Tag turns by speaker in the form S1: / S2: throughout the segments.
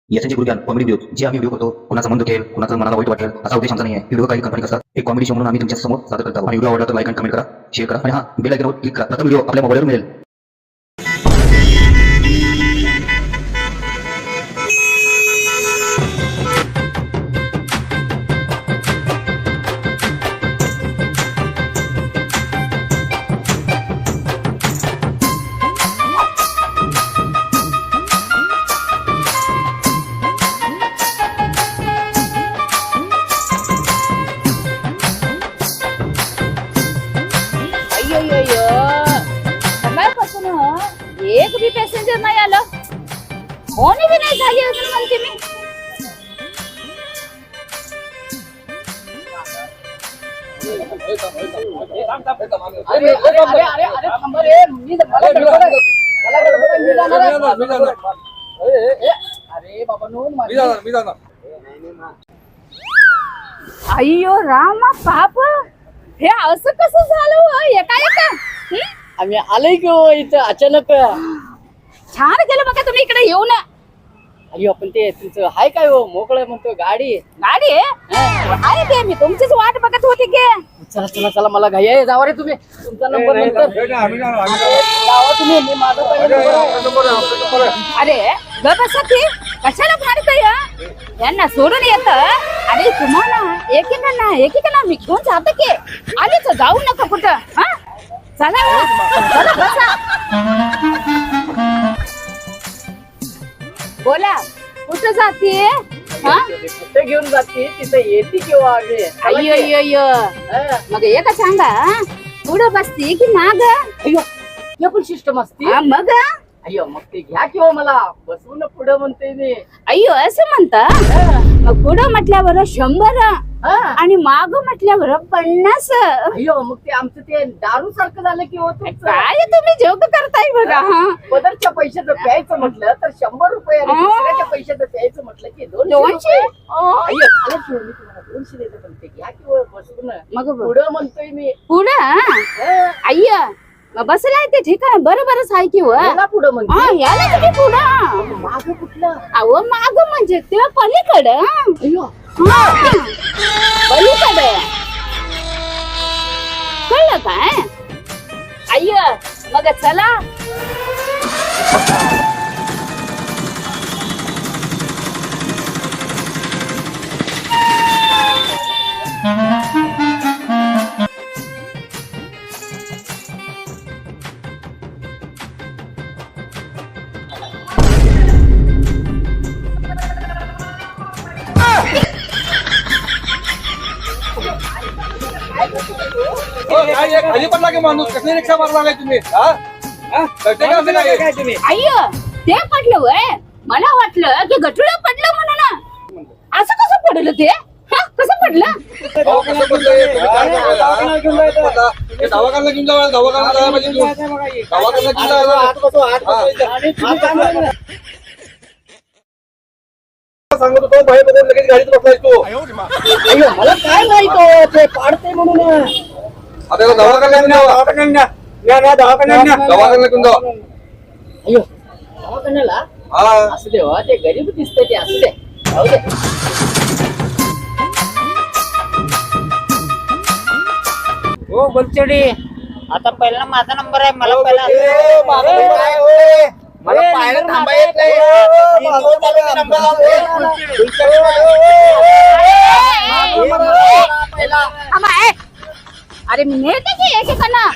S1: याचे गुरुज्ञान comedy video जे आम्ही व्हिडिओ करतो कोणाचा मन दुखेल कोणाचं मनाला वाईट वाटेल असा उद्देश आमचा नाही आहे. व्हिडिओ काही कंपनी असतात एक कॉमेडी शो म्हणून आम्ही तुमच्या समोर सादर करतो. आणि व्हिडिओ आवडला तर लाईक आणि कमेंट करा, शेअर करा आणि हा बेल आयकॉनवर क्लिक करा. प्रथम व्हिडिओ आपल्या मोबाईलवर मिळेल.
S2: सकाळपासून एक बी पॅसेंजर नाही आलं, फोन बी नाही झाली अजून म्हणते मी. अय्यो रामा बाप, हे असं कसं झालं एका
S3: आम्ही आलोय की हो इथं अचानक.
S2: छान केलं बघा तुम्ही इकडे येऊन.
S3: अय्यो पण ते तुमचं हाय काय हो मोकळं म्हणतो गाडी
S2: गाडी आहे ते, मी तुमचीच वाट बघत होती की.
S3: चला चला चला मला घाई आहे, जावा रे तुम्ही. तुमचा नंबर नंतर जावा तुम्ही, मी माझा पहिला नंबर आहे.
S2: अरे बसा ती कशाला फाडतय यांना सोडून येत. आणि तुम्हाला एकेकांना मी घेऊन जातो की. आलीच जाऊ नका कुठं. हा चला चला बसा. बोला कुठं जाते?
S3: कुठे घेऊन जाते तिथे येते किंवा
S2: अय्यो अय्यो, मग एक सांगा, पुढं बसती की माग?
S3: अय्यो हे पण सिस्टम असते.
S2: मग
S3: अय्यो मग ते घ्या किंवा मला बसवून पुढं म्हणते मी.
S2: अय्यो असं म्हणता? मग पुढं म्हटल्यावर 100 आणि माग म्हटल्यावर 50.
S3: अय्यो मग ते आमचं ते दारू सारखं झालं की हो तुमचं.
S2: काय तुम्ही जोक करताय बघा.
S3: पदरच्या पैशाचं प्यायचं म्हटलं तर 100 रुपये आणि दुसऱ्याच्या पैशाचं प्यायचं म्हटलं की 200. अय्यो चालेल की मी तुम्हाला 200 देतो, पण ते घ्या किंवा बसवून.
S2: मग
S3: पुढं म्हणतोय मी.
S2: पुढं अय्य मग बसलाय ते ठिकाण बरोबरच आहे की.
S3: पुढं म्हणते
S2: याला तुम्ही पुढं.
S3: माग कुठलं?
S2: अहो माग म्हणजे ते पलीकडं.
S3: अय्यो
S2: पलीकडे कळलं काय? अय्य मग चला.
S4: खाली पडला की माणूस, कसली रिक्षा मारला नाही तुम्ही?
S2: अय्य ते पडलं वय, मला वाटलं की गटुडा पडलं म्हणून. असं कसं पडलं ते? कसं पडलं?
S4: दवाखान्यात घेऊन जावा, दवाखान्यात जायला पाहिजे. दवाखान्यात घेऊन जायला सांगत होतो, बाहेर बघून लगेच गाडीत बसलायस तू.
S3: अय्यो मला काय माहित हो ते पाडते म्हणून.
S4: आता दवाखान्यात घेऊन जावा.
S3: अय्यो दवाखान्याला असू दे हो, ते गरीब दिसते ते असू दे, जाऊ दे.
S5: हो बोलचडी, आता पहिला माझा नंबर आहे. मला पहिला
S4: मला पाहायला थांबा येत नाही.
S2: अरे मी नेते की एकेकांना.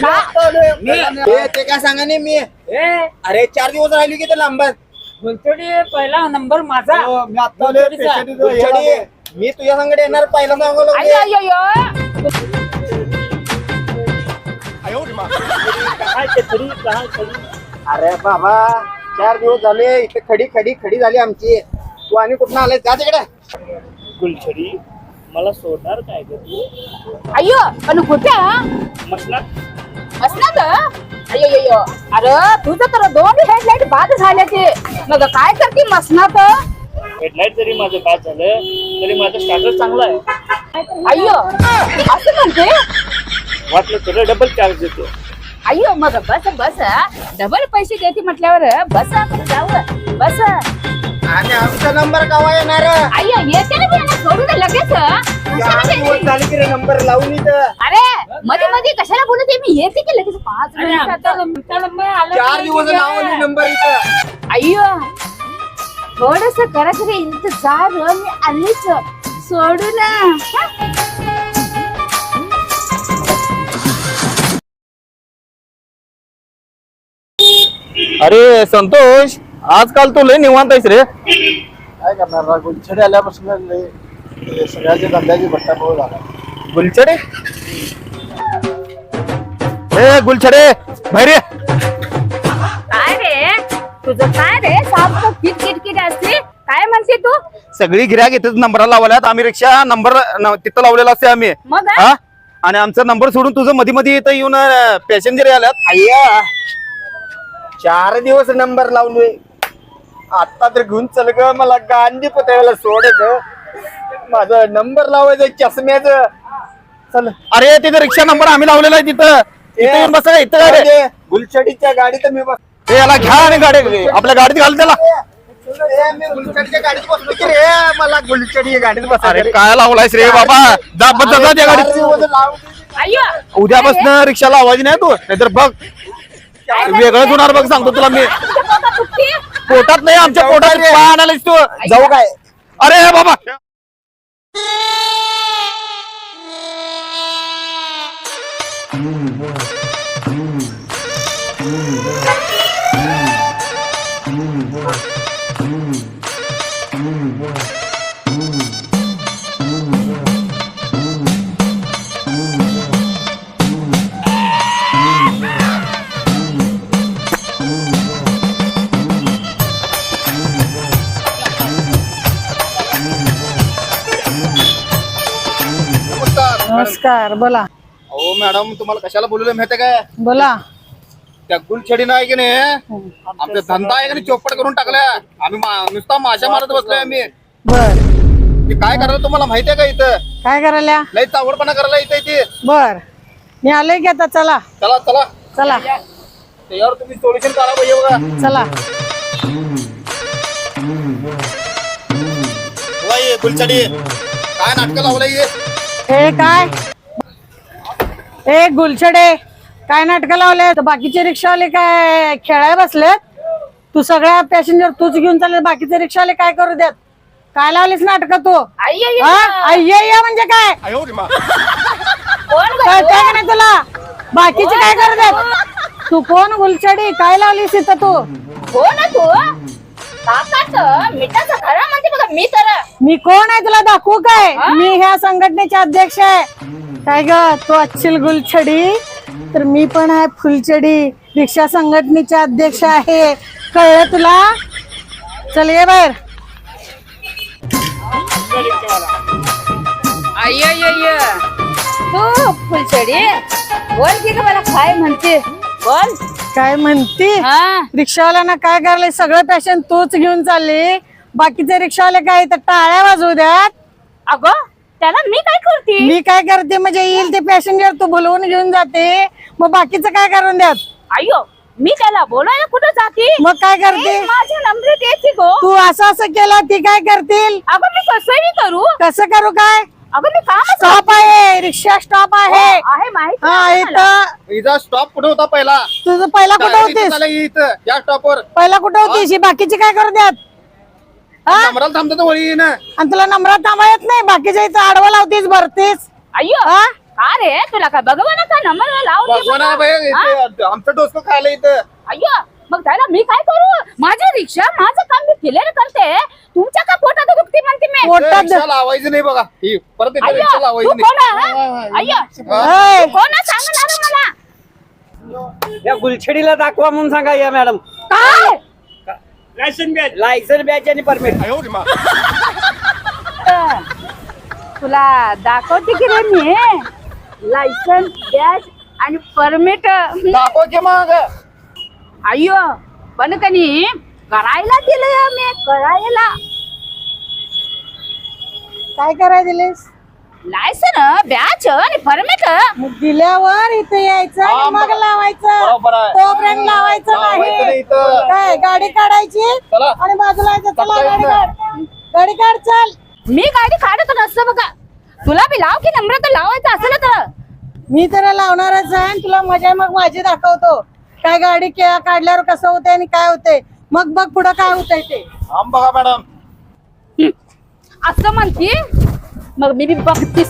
S4: ते काय सांगा नाही मी. अरे 4 दिवस राहिली की ते लांबत.
S5: बोलचडी पहिला नंबर माझा.
S4: मी तुझ्या संगडे येणार पहिला सांगलो.
S2: अय्यो अय्यो अय्यो.
S4: अरे बाबा 4 दिवस झाले इथे खडी झाली आमची. तू आणि कुठं आलाय? जा तिकडे.
S5: गुलछडी मला सोडणार काय ग तू?
S2: अय्यो पण कुठं? मसनात. अय्यो अय्यो, अरे तुझं तर 2 हेडलाईट बाद झाले ते. मग काय करते मसनात?
S5: हेडलाईट जरी माझं बाद झालं तरी माझं स्टार्टर चांगलं आहे.
S2: अय्यो असं म्हणते?
S5: वाटलं तुला डबल चार्ज देतो.
S2: अय्यो मग बस डबल पैसे देते म्हटल्यावर बस आपण जाऊ. बस
S4: आणि आमचा नंबर केव्हा येणार
S2: अय्यो येते ना मी सोडू दे लगेच कशाला
S4: 4 दिवस
S2: गेली?
S4: झाले की रे नंबर लावून इथं
S2: अरे मध्ये मध्ये कशाला बोलते मी येते की लगेच 5 मिनिटात
S4: 4 दिवस लावून नंबर इथं
S2: अय्यो थोडस करा तरी इंतजार मी आलीच सोडू ना हा?
S6: अरे संतोष आजकाल तू लय निवांत आहेस रे.
S4: काय करणार गुलछडी आल्यापासून लय सगळ्याच्या धंद्याची भट्टाबोळ झाला.
S6: गुलछडे ए गुलछडे बाहेर ये.
S2: काय रे तुझं काय रे सारखं किटकिट असते काय म्हणते तू
S6: सगळी गिऱ्हाईक इथेच नंबरला लावल्यात. आम्ही रिक्षा नंबर तिथं लावलेला असते आम्ही.
S2: मग
S6: हा आणि आमचा नंबर सोडून तुझं मध्ये मध्ये इथं येऊन पॅसेंजर आल्यात.
S4: अय्या 4 दिवस नंबर लावलोय आता तर घेऊन चल ग मला गांधी पुतळ्याला सोड ग माझा नंबर लावायचं चष्म्याच चल
S6: अरे तिथं रिक्षा नंबर आम्ही लावलेला आहे तिथं. इथं येऊन बसा इथं काय रे.
S4: गुलछडीच्या गाडीत मी बस
S6: ए, याला घ्या आणि गाडी आपल्या गाडीत घाल त्याला.
S4: मी गुलछडीच्या गाडीत बसलो की रे मला गुलछडी गाडीच बस
S6: अरे काय लावलायस रे बाबा. जा बस जा त्या गाडीत.
S2: अय्यो
S6: उद्यापासून रिक्षा लावायची नाही तू नाहीतर बघ वेगळंच होणार बघ सांगतो तुला मी. पोटात नाही आमच्या पोटात पाय आणायलास तू.
S4: जाऊ काय
S6: अरे बाबा
S7: नमस्कार बोला.
S6: हो मॅडम तुम्हाला कशाला बोलवलं माहितीये काय.
S7: बोला.
S6: त्या गुलछडी नाही की नाही आपला धंदा आहे की नाही चौपट करून टाकल्या. आम्ही नुसता माशा मारत बसलोय आम्ही.
S7: बर
S6: ते काय करायला तुम्हाला माहितीये का इथं
S7: काय करायला.
S6: लई चावडपणा करायला इथे इथे.
S7: बर मी आलोय की आता. चला
S6: चला चला
S7: चला
S6: त्याच्यावर तुम्ही सोल्युशन काढा पाहिजे बघा.
S7: चला.
S6: होय, गुलछडी काय नाटक लावलंय हे?
S7: हे काय ए गुलछडे काय नाटक लावले. बाकीचे रिक्षावाले काय खेळाय बसलेत. तू सगळ्या पॅसेंजर तूच घेऊन चालले. बाकीचे रिक्षावाले काय करू देत. काय लावलीस नाटक तू.
S2: अय्यो
S7: अय्या म्हणजे काय
S2: कोण
S7: कळतंय का नाही तुला. बाकीचे काय करू देत. तू कोण गुलछडी काय लावलीस इथं तू.
S2: हो ना तू काकाच मिठाचं खरं म्हणते बघा मी तर
S7: मी कोण आहे तुला दाखवू काय. मी ह्या संघटनेचे अध्यक्ष आहे. काय ग तू अच्छिल गुलछडी तर मी पण आहे फुलछडी रिक्षा संघटनेचे अध्यक्ष आहे. कळलं तुला. चल ये बाहेर.
S2: अय्य तू फुलछडी बोल की मला काय म्हणते बोल.
S7: काय म्हणती.
S2: हा
S7: रिक्षावाल्यांना काय करायला सगळं पॅशन तूच घेऊन चालली. बाकीचे रिक्षावाले काय तर टाळ्या वाजवू द्यात.
S2: अगं त्याला मी काय करते.
S7: मी काय करते म्हणजे येईल ते पॅसेंजर तू बोलवून घेऊन जाते. मग बाकीचं काय करून द्यात.
S2: अय्यो मी त्याला बोलायला कुठं जाते.
S7: मग काय करते.
S2: माझ्या नंबरेत येते गो.
S7: तू असं केलं ती काय करतील.
S2: अगं मी कसंही करू.
S7: कसं करू काय.
S2: अगं मी काम
S7: स्टॉप आहे रिक्षा स्टॉप आहे.
S2: आहे माहिती
S7: हा
S2: आहे मला.
S7: इथं
S6: हिचा स्टॉप कुठे होता पहिला.
S7: तुझं पहिला कुठं होतीस.
S6: इथं या स्टॉपवर
S7: पहिला कुठं होतीस. ही बाकीची काय करू द्यात. हा
S6: नंबराला थांबतात वळी ना.
S7: आणि तुला नंबरात थांबा येत नाही. बाकीच्या इथं आडवा लावतीस भरतीस.
S2: अय्यो
S7: हा
S2: का रे तुला काय भगवान का नंबर लावते
S6: भगवान
S2: बघा.
S6: बाई, इथे आमचं डोसकं खायला इथं.
S2: अय्यो मग त्याला मी काय करू. माझी रिक्षा माझं काम मी क्लिअर करते. तुमच्या का पोटात दुखते म्हणते मी.
S7: पोटात
S6: रिक्षा लावायचं नाही बघा. ही परत एकदा
S2: अय्यो
S6: रिक्षा
S2: तू
S6: लावायची
S2: कोण
S6: नाही.
S2: आहे? अय्यो
S7: ऐ,
S2: तू कोण आहे सांगणार मला.
S5: या गुलछडीला दाखवा म्हणून सांगा या मॅडम.
S2: काय
S5: लायसन बॅच आणि परमिट.
S2: तुला दाखवते की रे मी लायसन बॅच आणि परमिट.
S6: दाखव की मग.
S2: अय्यो पण कनी करायला दिलं मी करायला.
S7: काय करायला दिलेस.
S2: लायसन बॅच आणि परमिट
S7: मग दिल्यावर इथे यायचं आणि
S6: हा,
S7: मग लावायचं
S6: बरोबर आहे.
S7: तोपर्यंत लावायचं
S6: लावायचं नाही
S7: नाही
S6: इथं.
S7: काय गाडी काढायची
S6: चला.
S7: आणि बाजूला यायचं. चला
S6: चला
S7: गाडी
S6: इथं.
S7: काढ गाडी काढ चल.
S2: मी गाडी काढत नसतं बघा. तुला बी लाव की नम्र तर लावायचं असेल तर
S7: मी तर लावणारच आहे आणि तुला मजा मग माझी दाखवतो काय गाडी काढल्यावर कसं होतंय आणि काय होतंय मग बघ पुढं काय होतंय ते.
S6: आम बघा मॅडम.
S2: असं म्हणती मग मी बी बघतीस.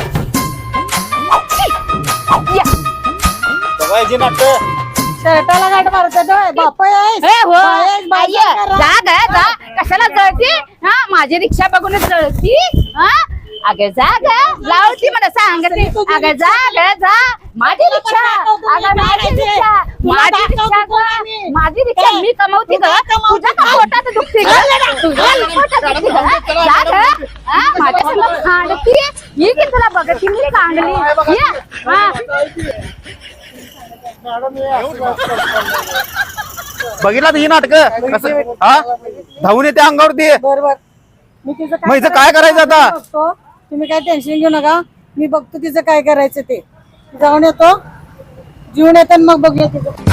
S2: या.
S6: बघायची नाटक.
S7: शर्टाला गाठ मारतात बाप आहेस?
S2: ए, हो.
S7: बाहेर बाजार
S2: आई,
S7: करा.
S2: जा ग जा. कशाला जळती हा माझी रिक्षा बघून जळती हा अगं जा ग लावती मला सांगते अगं जा ग जा माझी रिक्षा अगं माझी रिक्षा माझी रिक्षा ग माझी रिक्षा मी कमवते ग तुझ्या का पोटात दुखते ग तुझ्या पोटात दुखते ग जा ग हा माझ्या संग खांडती ही की तुला बघती मी कांडली ये हा
S6: बघितला ही नाटक कसं हा धावून येते अंगावरती.
S7: बरोबर मी तिचं
S6: मग हिचं काय करायचं आता?
S7: बघतो. तुम्ही काय टेन्शन घेऊ नका मी बघतो तिचं काय करायचं ते. जाऊन येतो जीवन येतो आणि मग बघूया तिचं.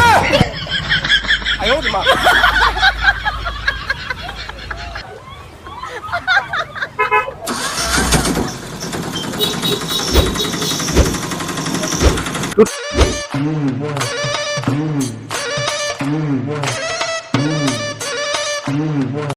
S6: तू